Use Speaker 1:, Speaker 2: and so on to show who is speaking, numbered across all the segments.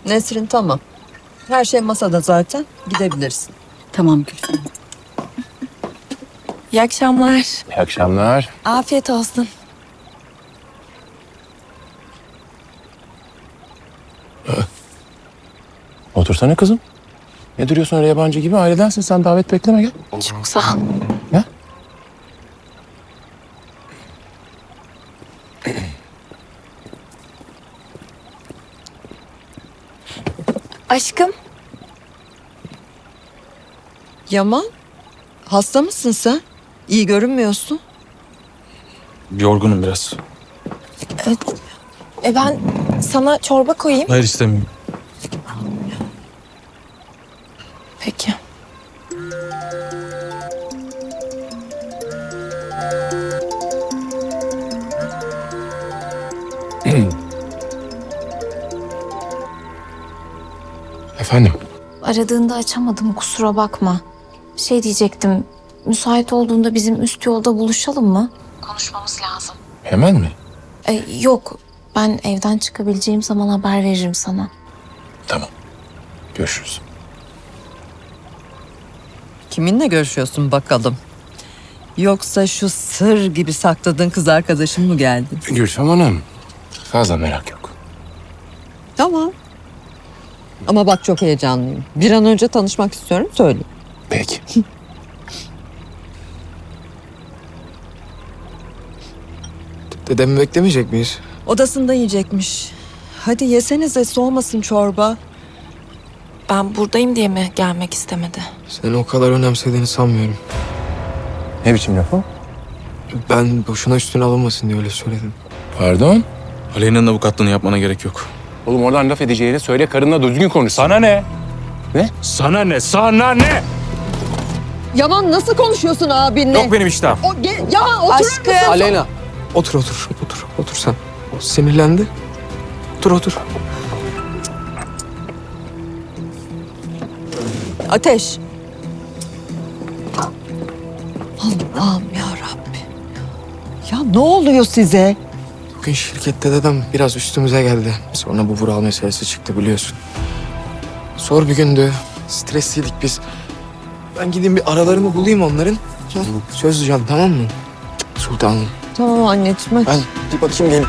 Speaker 1: Nesrin tamam. Her şey masada zaten. Gidebilirsin.
Speaker 2: Tamam Gülfem.
Speaker 3: İyi akşamlar.
Speaker 4: İyi akşamlar.
Speaker 3: Afiyet olsun.
Speaker 4: Otursana kızım. Ne duruyorsun öyle yabancı gibi? Ailedensin sen, davet bekleme, gel.
Speaker 3: Çok sağ ol.
Speaker 4: Gel.
Speaker 3: Aşkım,
Speaker 1: Yaman, hasta mısın sen? İyi görünmüyorsun.
Speaker 5: Yorgunum biraz.
Speaker 3: ben sana çorba koyayım.
Speaker 5: Hayır, istemiyorum.
Speaker 3: Peki.
Speaker 4: Efendim?
Speaker 6: Aradığında açamadım, kusura bakma. Şey diyecektim, müsait olduğunda bizim üst yolda buluşalım mı? Konuşmamız lazım.
Speaker 4: Hemen mi?
Speaker 6: Yok, ben evden çıkabileceğim zaman haber veririm sana.
Speaker 4: Tamam. Görüşürüz.
Speaker 1: Kiminle görüşüyorsun bakalım? Yoksa şu sır gibi sakladığın kız arkadaşın mı geldi?
Speaker 4: Gülfem Hanım, fazla merak yok.
Speaker 1: Tamam. Ama bak çok heyecanlıyım. Bir an önce tanışmak istiyorum, söyle.
Speaker 4: Peki.
Speaker 7: Dedemi beklemeyecek miyiz?
Speaker 1: Odasında yiyecekmiş. Hadi yesenize, soğumasın çorba.
Speaker 3: Ben buradayım diye mi gelmek istemedi?
Speaker 7: Seni o kadar önemsediğini sanmıyorum.
Speaker 4: Ne biçim laf o?
Speaker 7: Ben boşuna üstüne alınmasın diye öyle söyledim.
Speaker 4: Pardon?
Speaker 5: Aleyna'nın avukatlığını yapmana gerek yok.
Speaker 4: Oğlum oradan laf edeceğini söyle, karınla düzgün konuş.
Speaker 5: Sana ne?
Speaker 4: Ne?
Speaker 5: Sana ne? Sana ne?
Speaker 1: Yaman, nasıl konuşuyorsun abinle?
Speaker 5: Yok benim iştahım.
Speaker 1: Yaman oturur
Speaker 3: Aşkım.
Speaker 1: musun?
Speaker 7: Aleyna. Otur. Otur sen. O sinirlendi. Otur.
Speaker 1: Ateş. Allah'ım ya Rabbi. Ya ne oluyor size?
Speaker 7: Bugün şirkette dedem biraz üstümüze geldi. Sonra bu Vural meselesi çıktı biliyorsun. Zor bir gündü. Stresliydik biz. Ben gideyim bir aralarını bulayım onların. Söz diyeceğim, tamam mı? Sultanım.
Speaker 1: Tamam anneciğim.
Speaker 7: Ben bir bakayım gelin.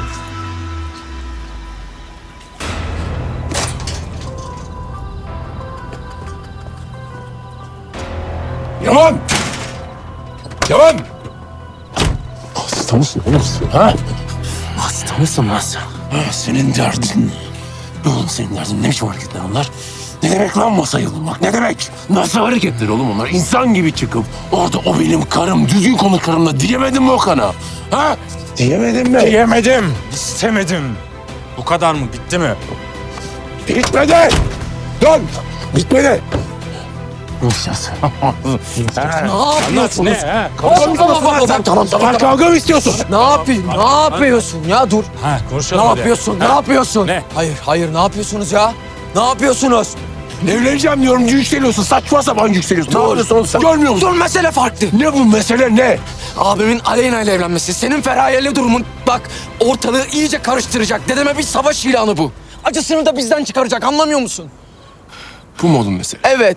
Speaker 4: Yaman! Yaman! Hasta mısın oğlum sen, ha? Hasta mısın lan sen? Ha, senin derdin. Oğlum senin derdin ne biçim hareketler onlar? Ne demek lan masaya vurmak? Ne demek? Nasıl hareketler oğlum onlar? İnsan gibi çıkıp orada o benim karım, düzgün konuş karımla diyemedin mi Okan'a? Ha? Diyemedin mi?
Speaker 5: Diyemedim. İstemedim. Bu kadar mı? Bitti mi?
Speaker 4: Bitmedi! Dön! Bitmedi! Nişas.
Speaker 7: Ne yapıyorsunuz?
Speaker 5: Ne? Ha?
Speaker 4: Kavga mı istiyorsun lan sen? Tamam, kavga mı istiyorsun?
Speaker 7: Ne yapıyorsun ya? Dur.
Speaker 5: Ha, konuşalım
Speaker 7: Ne
Speaker 5: hadi.
Speaker 7: yapıyorsun? Ne yapıyorsun?
Speaker 5: Ne?
Speaker 7: Hayır, ne yapıyorsunuz ya? Ne yapıyorsunuz?
Speaker 4: Evleneceğim diyorum, yükseliyorsun. Saçma sapan yükseliyorsun. Ne yapıyorsun oğlum sen? Görmüyor musun?
Speaker 7: Dur, mesele farklı.
Speaker 4: Ne bu mesele ne?
Speaker 7: Abimin Aleyna ile evlenmesi, senin Feraye'yle durumun bak ortalığı iyice karıştıracak. Dedeme bir savaş ilanı bu. Acısını da bizden çıkaracak, anlamıyor musun?
Speaker 4: Bu mu oğlum mesele?
Speaker 7: Evet.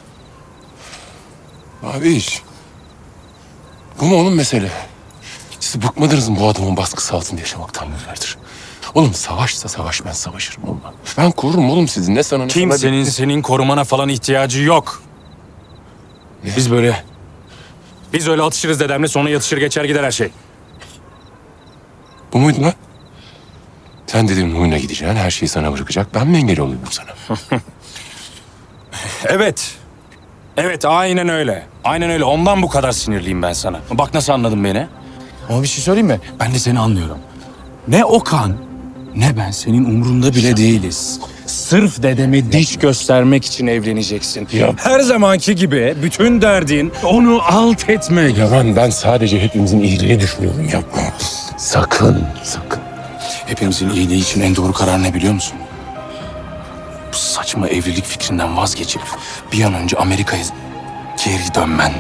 Speaker 4: Abi iş. Bu mu oğlum mesele? Siz bıkmadınız mı bu adamın baskısı altında yaşamaktan yıllardır? Oğlum savaşsa savaş, ben savaşırım oğlum. Ben korurum oğlum sizi. Ne sana ne sana.
Speaker 5: Kimsenin senin korumana falan ihtiyacı yok. Biz böyle... Biz öyle atışırız dedemle, sonra yatışır geçer gider her şey.
Speaker 4: Bu muydu lan? Sen dedin huyuna gideceksin, her şeyi sana bırakacak. Ben mi engel oluyorum sana?
Speaker 5: Evet. Evet, aynen öyle. Aynen öyle. Ondan bu kadar sinirliyim ben sana. Bak nasıl anladın beni. Ama bir şey söyleyeyim mi? Ben de seni anlıyorum. Ne Okan, ne ben senin umrunda bile değiliz. Sırf dedeme diş göstermek için evleneceksin.
Speaker 4: Ya.
Speaker 5: Her zamanki gibi bütün derdin onu alt etmek.
Speaker 4: Yaman, ben sadece hepimizin iyiliğini düşünüyorum. Yapma. Sakın.
Speaker 5: Hepimizin iyiliği için en doğru karar ne biliyor musun? Bu saçma evlilik fikrinden vazgeçip bir an önce Amerika'ya geri dönmen.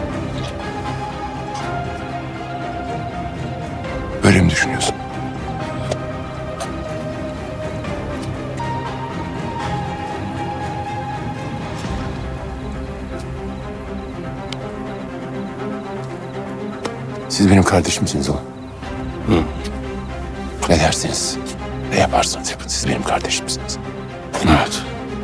Speaker 4: Böyle mi düşünüyorsun? Siz benim kardeşimsiniz oğlum. Hı. Ne dersiniz, ne yaparsanız yapın. Siz benim kardeşimsiniz. Evet.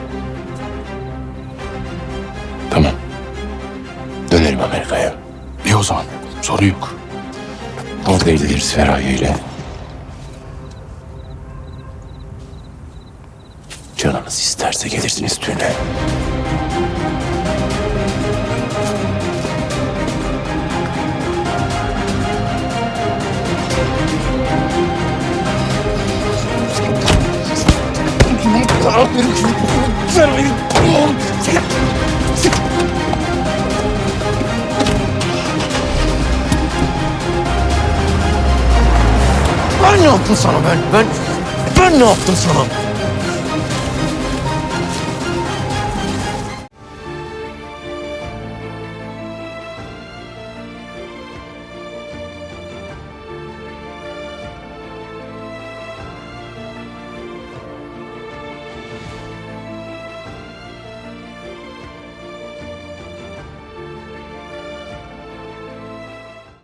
Speaker 4: Tamam. Dönerim Amerika'ya.
Speaker 5: İyi o zaman. Sorun yok.
Speaker 4: Orada ilgileriz Feraye ile. Canınız isterse gelirsiniz düğüne.
Speaker 7: Ben ne yaptım sana ben? Ben ne yaptım sana?